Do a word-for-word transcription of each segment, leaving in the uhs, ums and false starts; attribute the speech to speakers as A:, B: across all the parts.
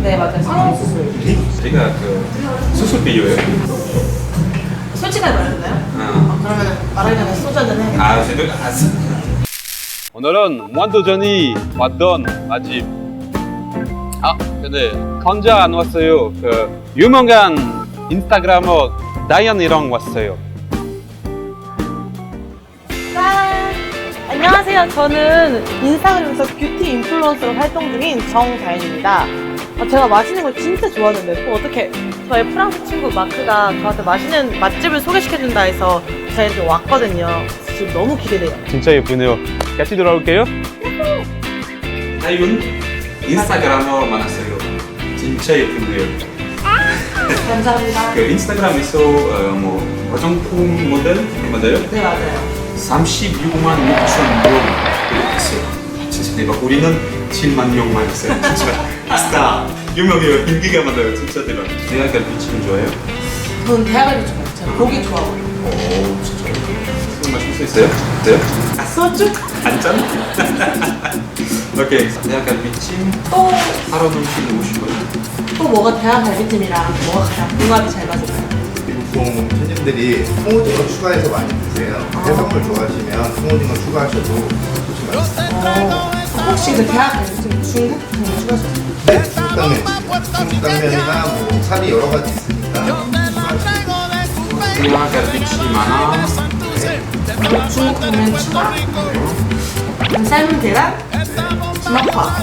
A: 네, 맞아요. 성형수술.
B: 제가 그 수술 비유예요.
A: 솔직하게 말해주나요?
B: 어.
A: 어, 그러면 말하기 전에 소주 한잔 해야겠다.
B: 아, 제가 알았어.
C: 오늘은 무한도전이 왔던 맛집. 아, 근데 혼자 안 왔어요. 그 유명한 인스타그래머 다이언이랑 왔어요.
A: 짠! 안녕하세요. 저는 인스타그램에서 뷰티 인플루언서로 활동 중인 정다인입니다. 아, 제가 맛있는 걸 진짜 좋아하는데 또 어떻게 저의 프랑스 친구 마크가 저한테 맛있는 맛집을 소개시켜준다 해서 저희한테 왔거든요. 지금 너무 기대돼요.
C: 진짜 예쁘네요. 같이 들어올게요.
B: 다이온 인스타그램으로 만났어요. 진짜 예쁜데요.
A: 감사합니다.
B: 그 인스타그램에서 어, 뭐 화장품 모델 맞아요?
A: 네, 맞아요.
B: 삼십육만 육천 명 구독했어요. 진짜 대박. 우리는 칠만 명만 했어요. 진짜 스타 유명해요. 인기가 많아요. 진짜 대박. 대학갈 비치는 좋아해요?
A: 저는 대학을 좋아해요. 제가 고기 좋아하고요.
B: 오, 진짜. 술 마실 수 있어요? 네?
A: 아, 소주?
B: 한 잔? 오케이. 대학갈 비침
A: 또,
B: 하루 음식 먹고 싶어요.
A: 또 뭐가 대학 갈비찜이랑 뭐가 가장 궁합이 잘 맞을까요?
D: 보통 손님들이 통오징어 추가해서 많이 드세요. 해산물 좋아하시면 통오징어 추가하셔도 좋지만
A: 어, 혹시 그 대학 갈비찜 중국 좀 추가하셨어요?
D: 네, 중국 당면 중국 당면이나 뭐 살이 여러 가지 있으니까 추가하시면
B: 대학갈 비침 하나.
A: 그리고 중국 당면 추가? 그럼 삶은 계란? 주먹밥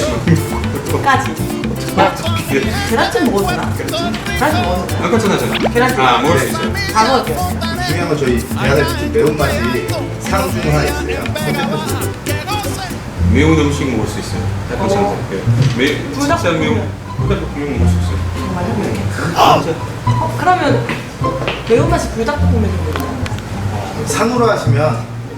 A: 까지 계란찜 먹어주나? 계란찜 먹어주나?
B: 아, 괜찮아요.
A: 계란찜
B: 아, 먹을 수 있어요.
A: 다 먹을게요.
D: 중요한 건 저희 대하갈비찜 매운맛이 상중 하나 있어요. 선택하시면
B: 매운 음식 먹을 수 있어요. 다 괜찮아요. 매, 진짜 매운 불닭볶음면 먹을 수 있어요.
A: 정말요? 이렇게? 어, 그러면 매운맛이 불닭볶음면인가요?
D: 상으로 하시면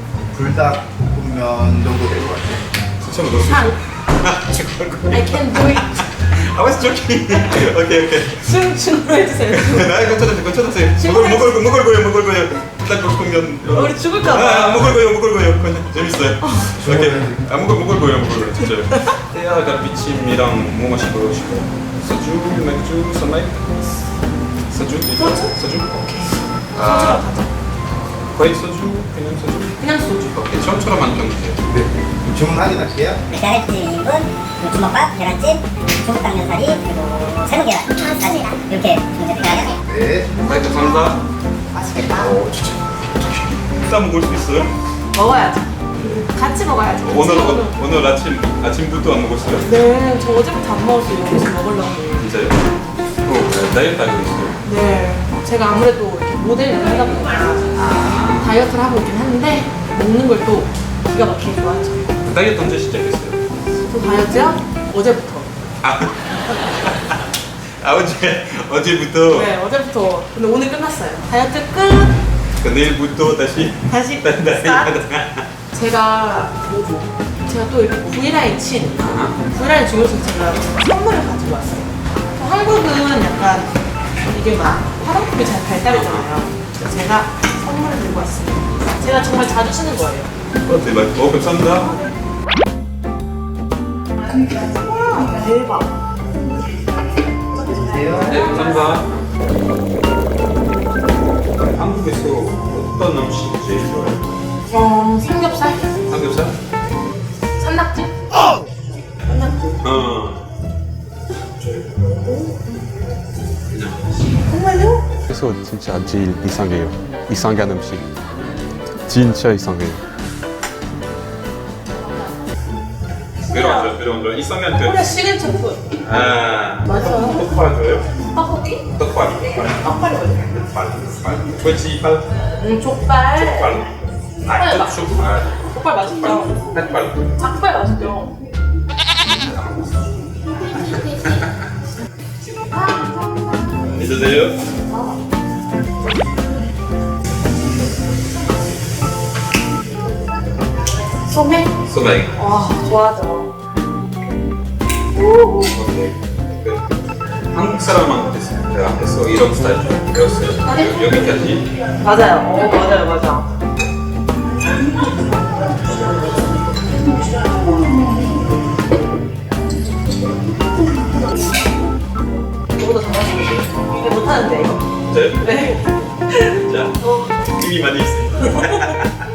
D: 불닭볶음면 정도 될 것 같아요.
B: 진짜 먹을 수
A: 상.
B: 있어요.
A: I can do it.
B: I was joking. 오케이, 오케이.
A: 중, 중으로 해주세요.
B: 나 괜찮았어요. 괜찮았어요. 먹을, 먹을, 거, 먹을 거예요, 먹을 거예요. 불닭볶음면.
A: 우리 죽을까봐.
B: 아, 먹을 거예요, 먹을 거예요. 그건 재밌어요. 오케이. 아, 먹을, 먹을 거예요, 먹을 거예요. 진짜요. 대하갈비찜이랑 뭐 마시고 싶어요? 소주, 맥주, 선라이트? 소주?
A: 소주?
B: 소주?
A: 오케이.
B: 아,
A: 소주로 가자.
B: 거의 소주? 그냥 소주?
A: 그냥 소주.
B: 오케이, 처음처럼 만들면 돼요.
D: 네. 주문 확인할게요.
E: 계란찜은 주먹밥, 계란찜, 중국 당면사리, 그리고 새우 계란까지 이렇게 준비해요.
D: 네.
B: 네, 감사합니다.
A: 맛있겠다.
B: 오, 진짜. 식사 먹을 수 있어요?
A: 먹어야죠. 같이 먹어야죠.
B: 오늘,
A: 같이
B: 오늘, 오늘 아침, 아침부터 안 먹었어요?
A: 네, 저 어제부터 안 먹었어요. 여기서 먹으려고.
B: 진짜요? 또 다이어트 하고 있어요.
A: 네. 제가 아무래도 이렇게 모델 일을 하다 보니까 다이어트를 하고 있긴 한데 먹는 걸 또 기가 막히게 좋아하죠.
B: 다이어트 언제 시작했어요?
A: 저 다이어트요? 어제부터.
B: 아, 아 어제, 어제부터?
A: 네, 어제부터. 근데 오늘 끝났어요. 다이어트 끝!
B: 그 내일부터 다시?
A: 다시
B: 다이어트.
A: 스타트. 제가 뭐죠? 제가 또 이렇게 브이라인 친 브이라인 중요성 제가 선물을 가지고 왔어요. 한국은 약간 이게 막 화장품이 잘 발달했잖아요. 그래서 제가 선물을 들고 왔습니다. 제가 정말 자주 쓰는 거예요.
B: 어, 대박. 어, 감사합니다.
A: 와, 대박.
B: 네, 감사합니다. 한국에서 어떤 음식이 제일 좋아요?
A: 어, 삼겹살?
B: 삼겹살?
A: 산낙지? 산낙지.
B: 어. 그냥.
A: 정말요?
C: 그래서 진짜 제일 이상해요. 이상한 음식. 진짜 이상해요.
B: 외로워져, 외로워져. 이상한 그.
A: 코리아 시그니처 푸드.
B: 아.
A: 맞아요.
B: 떡밥 줘요?
A: 떡볶이?
B: 떡밥.
A: 떡발이 뭐예요?
B: 떡밥. 돼지발.
A: 음, 족발.
B: 족발.
A: 족발
B: 아,
A: 맛.
B: 족발.
A: 족발 맛있죠?
B: 닭발.
A: 닭발 맛있죠?
B: 믿으세요?
A: 소맥?
B: 소맥.
A: 와, 좋아하죠.
B: 오케이. 한국 사람한테서 이런 스타일 좀 배웠어요.
A: 네?
B: 여기까지.
A: 맞아요. 어, 맞아요, 맞아. 괜찮은데 이거.
B: 진짜요?
A: 네.
B: 자, 힘이 많이 있어요.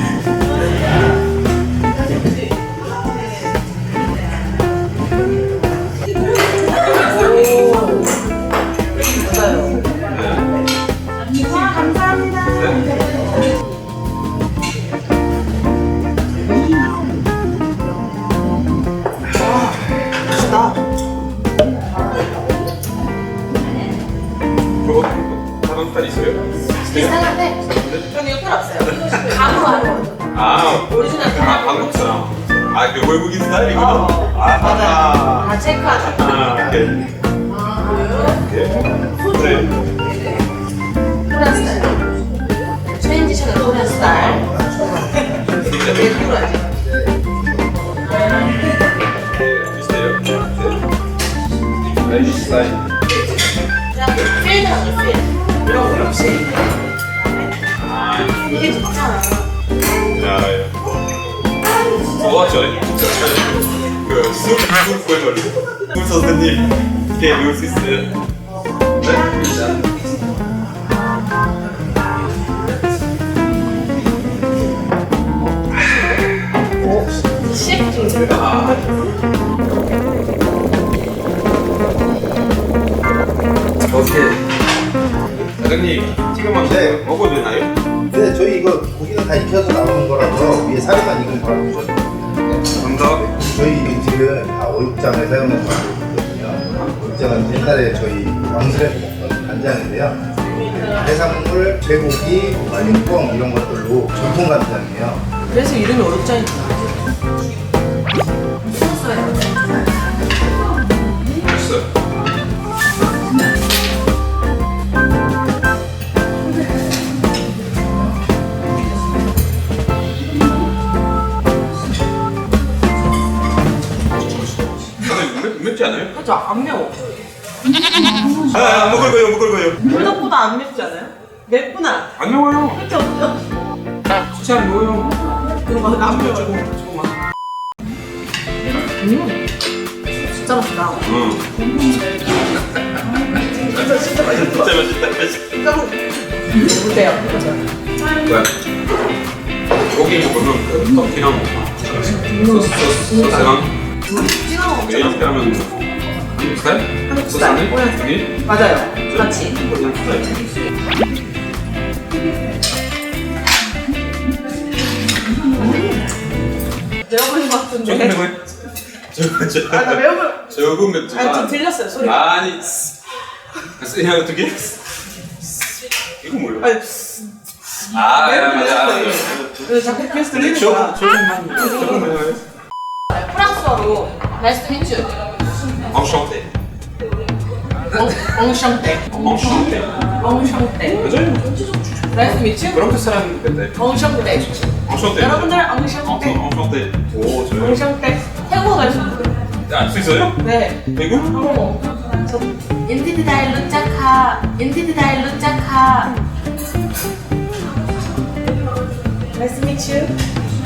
A: 맞아요. 감사합니다. 맛있다.
B: 그거 다른 스타일 있어요?
A: 비슷한데 저는 이거 필요 없어요. 가루하고
B: 아,
A: 오리지널
B: 아
A: 가루.
B: 한국 사람. 아, 그 외국인 스타일이구나.
A: 어,
B: 아,
A: 맞아요.
B: 아,
A: 다 체크하죠.
B: 아, 오케이. 오케이. 네.
A: 코리안 스타일. 트랜지션은 코리안 스타일. 왜 그러지?
B: 비슷해요. 네. 라이프 스타일.
A: 그냥 필드하죠, 필드. 이런 거 없이.
B: 아,
A: 이게 좋잖아.
B: 야, 야. 어, 저래. 진짜 잘해. 그, 술, 술 구해버리. 술 선생님, 이렇게 배울 수 있어요. 네?
A: 십?
B: 아. 오케이. 사장님, 지금
D: 네.
B: 먹어도 되나요?
D: 근데 저희 이거 고기는 다 익혀서 나오는 거라서 위에 살만 익은 거라고 보셔도 됩니다.
B: 감사합니다.
D: 저희 지금 다 오육장을 사용해서 만들고 있거든요. 오육장은 옛날에 저희 왕실에서 먹던 간장인데요. 해산물, 쇠고기, 말린 뻥 이런 것들로 전통 간장이에요.
A: 그래서 이름이 오육장이구나.
B: 맛있어요. 사장님, 맵, 맵지 않아요?
A: 그죠? 안 매워.
B: 아, 아, 먹을 거예요, 먹을 거예요.
A: 불닭보다 안 맵지 않아요? 맵구나.
B: 안 매워요.
A: 그쵸, 그쵸?
B: 진짜 안 매워요.
A: 그런 거안 매워요.
B: 조금, 조금만.
A: 음. 진짜 맛있다.
B: 응.
A: 진짜, 진짜 맛있어.
B: 진짜 맛있다, 맛있다.
A: 진짜 어때요? 그죠?
B: 네. 고기 먹으면 그 떡이랑 소스, 소스, 소스랑
A: 찍어 먹죠.
B: 이렇게 하면 한국 스타일?
A: 한국
B: 소스
A: 스타일,
B: 안에?
A: 코리안
B: 고기?
A: 맞아요. 같이.
B: 코리안 스타일.
A: 매워버린 것
B: 조금
A: 같은데.
B: 매워요? 조금, 조금.
A: 아, 나 매워버
B: 조금 맵지만.
A: 아니, 좀 들렸어요, 소리가.
B: 아니, 그냥 어떻게? 이거 뭐예요?
A: 아니,
B: 아, 야, 맞아, 맞아.
A: 그래서 자꾸 계속 들리는
B: 조금,
A: 거야.
B: 조금만, 조금만 해요.
A: 프랑스어로 Nice to meet you.
B: Enchanté.
A: 엉샹떼.
B: Enchanté.
A: 엉샹떼.
B: 맞아요.
A: Nice to meet you.
B: 그렇게 사람 같아.
A: 엉샹떼.
B: Enchanté.
A: 여러분들 엉샹떼.
B: Enchanté. 오, 저요.
A: 엉샹떼. 태국어 갈수 있어요.
B: 알수 있어요?
A: 네.
B: 미국?
A: 어머. 저 인디드다일 루짜카. 인디드다일 루짜카. Nice to meet you.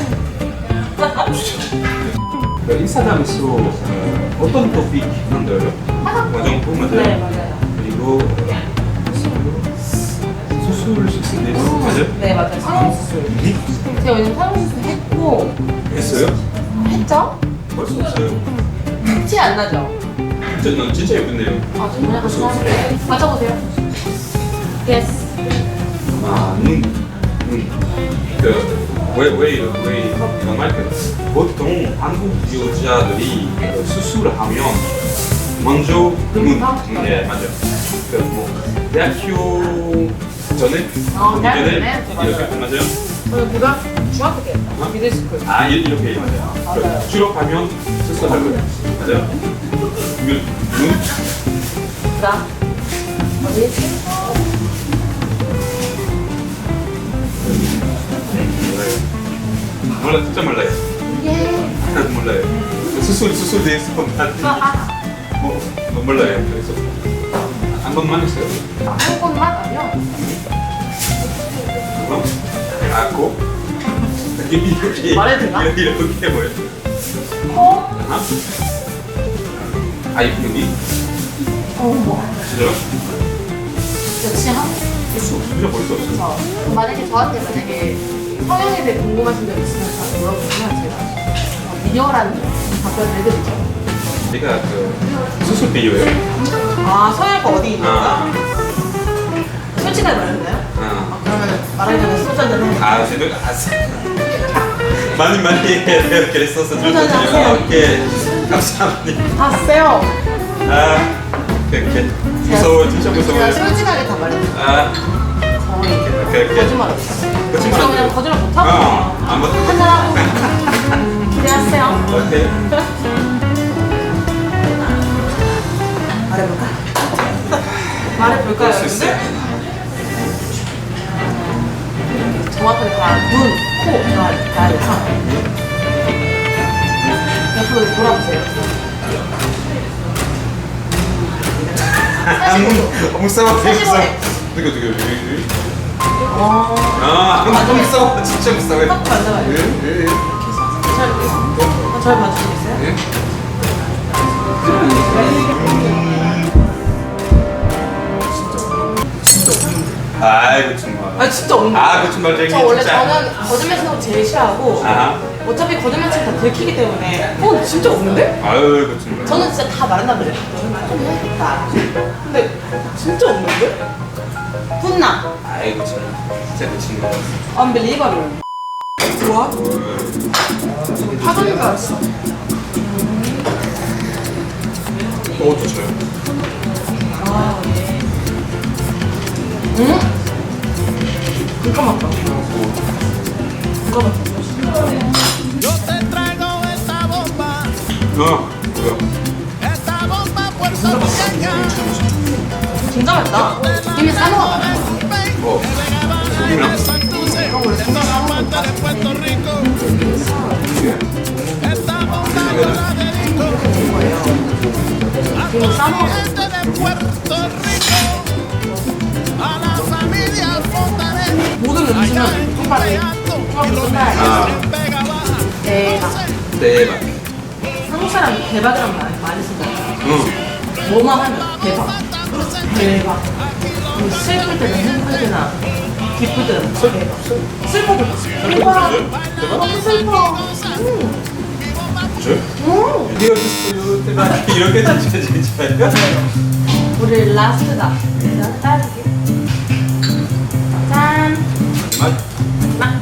B: 그 인스타그램에서 어, 어떤 토픽 만들어요? 화장품 맞아요?
A: 네, 맞아요.
B: 그리고 수술 식스데이 맞아요?
A: 네, 맞아요. 상황수술. 제가 요즘 상황수술 했고,
B: 했어요?
A: 했죠?
B: 벌써 없어요.
A: 티 안 나죠?
B: 진짜, 난 진짜 예쁜데요.
A: 아, 정말 감사합니다. 맞아보세요. Yes.
B: 아, 눈. 눈. 그, 왜, 왜, 이런- 왜 이런 말? 그, 보통 한국 여자들이 그 수술을 하면 먼저 눈.
A: 눈부터?
B: 네, 맞아요. 그, 뭐, 대학교 전에?
A: 어, 대학교
B: 전에?
A: 전에?
B: 이렇게, 맞아요?
A: 저는 고등학교, 중학교 때 했어요. 미들스쿨.
B: 아, 이- 이렇게 맞아요.
A: 맞아요.
B: 그 졸업하면 수술할 거예요. 맞아요? 눈? 눈?
A: 그다음 어디?
B: 몰라요. 몰라, 진짜 몰라요.
A: 예.
B: 몰라요. 수술, 수술 대해서 뭐, 뭐 몰라요. 그래서 한 번만 했어요.
A: 한 번만 아니요.
B: 그럼 아고 이렇게
A: 말해도 되나?
B: 이렇게 이렇게 뭐예요?
A: 코.
B: 하나? 아 여기
A: 어, 뭐.
B: 진짜요?
A: 역시 한
B: 수수 진짜 벌써 없어.
A: 저 만약에 저한테 만약에 성형에 대해 궁금하신 점 있으면 저한테 물어보시면 제가 어, 리얼한 답변을 해드리죠.
B: 제가 그 수술 비유예요.
A: 아 성형외과 어디 있는가?
B: 아,
A: 솔직하게 말했나요?
B: 아,
A: 아, 그러면 말하기 전에 소주 한잔 해.
B: 아, 저도 아, 많이 많이 그랬었어.
A: 소주 한잔 하세요.
B: 오케이, 감사합니다.
A: 다 세요.
B: 아, 오케이, 무서워, 진짜 무서워요.
A: 제가 솔직하게 다 말했어요.
B: 아,
A: 거의
B: 오케이, 오케이.
A: 거짓말 없어요.
B: 거짓말
A: 저
B: 안
A: 그냥
B: 돼요.
A: 거짓말 못하고
B: 어, 안 못해.
A: 한잔하고 기대하세요.
B: 오케이.
A: 말해볼까? 말해볼까요,
B: 할수 있어요.
A: 여러분들? 정확하게 다 눈, 코, 다 가야 돼서 옆으로 돌아보세요.
B: 아, 무서워,
A: 사실
B: 무서워.
A: 원래-
B: 누구 누구 누구?
A: 어...
B: 아, 너무 무서워, 진짜 무서워.
A: 딱 만져봐요.
B: 예, 예, 예.
A: 잘, 잘 봐주시겠어요?
B: 예. 아이고 정말.
A: 아 진짜 없는
B: 아, 거짓말쟁이
A: 저 원래
B: 진짜.
A: 저는 거짓말 치는 거 제일 싫어하고
B: 아하.
A: 어차피 거짓말 치면 다 들키기 때문에 어 진짜 없는데?
B: 아유, 거짓말.
A: 저는 진짜 다 말한단 말이에요. 너는 좀 해야겠다. 근데 진짜 없는데? 훈나
B: 아이고 정말. 진짜 거짓말.
A: unbelievable. 좋아? 파전인 줄 알았어.
B: 또 어떠셔요?
A: 아 예. 응? 그니까 맞다. 그니까 맞다.
F: Yo te traigo esta bomba,
B: 어, 뭐야?
F: esta bomba puertorriqueña.
A: 진짜 맛있다. 김에 싸먹어 맛있어.
B: 어, 소금이랑
F: Santurce, esta bomba de Puerto Rico. Esta bomba yo la dedico a
A: 김에
F: toda
A: 싸먹어.
F: la gente de Puerto Rico, a la familia Fontanet,
A: 모든 음식은 족발에
F: y los
A: 족발.
B: 아,
F: en Vega Baja.
A: 대박.
B: 대박.
A: 한국 사람 대박이란 말 많이 쓰잖아요.
B: 응.
A: 뭐만 하면 대박. 대박. 그리고 슬플 때나 행복할 때나 기쁠 때나 대박. 슬퍼도 대박. 너무 슬퍼. 음.
B: 저?
A: 음.
B: 이게 어딨어요? 대박. 이렇게 진짜 진짜요?
A: 우리 라스트다. 내가 따줄게. 짠.
B: 맛.
A: 나.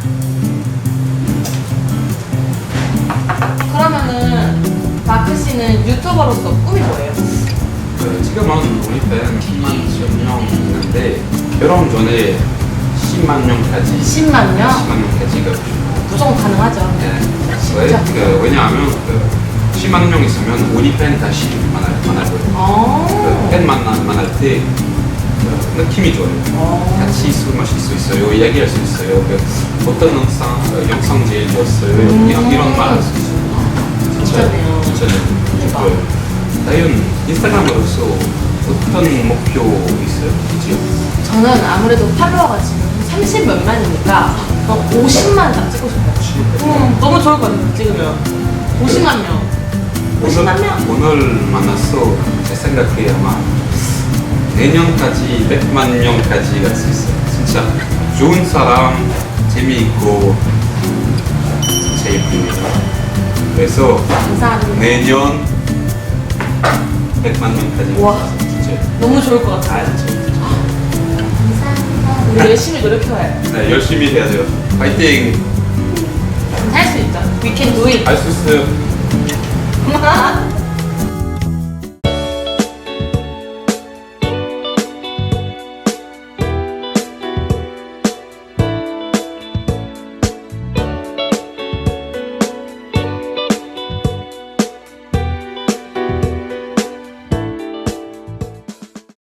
A: 그러면은 마크 씨는 유튜버로서 꿈이 뭐예요?
B: 그, 지금은 우리 팬 십만 명 있는데 결혼 전에 십만 명까지
A: 십만 명?
B: 십만 명까지가
A: 무조건 가능하죠.
B: 네. 왜?
A: 진짜?
B: 그, 왜냐하면 그 십만 명 있으면 우리 팬 다시 만날 만날 거예요.
A: 어.
B: 그, 팬 만나 만날 때 그, 느낌이 좋아요.
A: 어.
B: 같이 술 마실 수 있어요. 이야기할 수 있어요. 그, 어떤 영상 어, 영상 제일 좋았어요.
A: 음.
B: 이런 이런 말 할 수 있어요.
A: 진짜네요.
B: 진짜
A: 대박.
B: 좋아요. 다이언 인스타그램으로서 어떤 목표 있어요? 그죠?
A: 저는 아무래도 팔로워가 지금 삼십 몇만이니까 오십만 딱 찍고 싶어요. 음, 너무 좋을 것 같아요. 찍으면 오십만 명. 오십만 명.
B: 오늘 만났어. 제 생각에 아마 내년까지 백만 명까지 갈 수 있어요. 진짜 좋은 사람, 재미있고 진짜 예쁩니다. 그래서
A: 감사합니다.
B: 내년 백만 명까지
A: 와.
B: 진짜
A: 너무 좋을 것 같아요.
B: 아 진짜
A: 우리 열심히 노력해봐요.
B: 네, 열심히 해야 돼요. 파이팅!
A: 할 수 있죠. We can do it.
B: 할 수 있어요.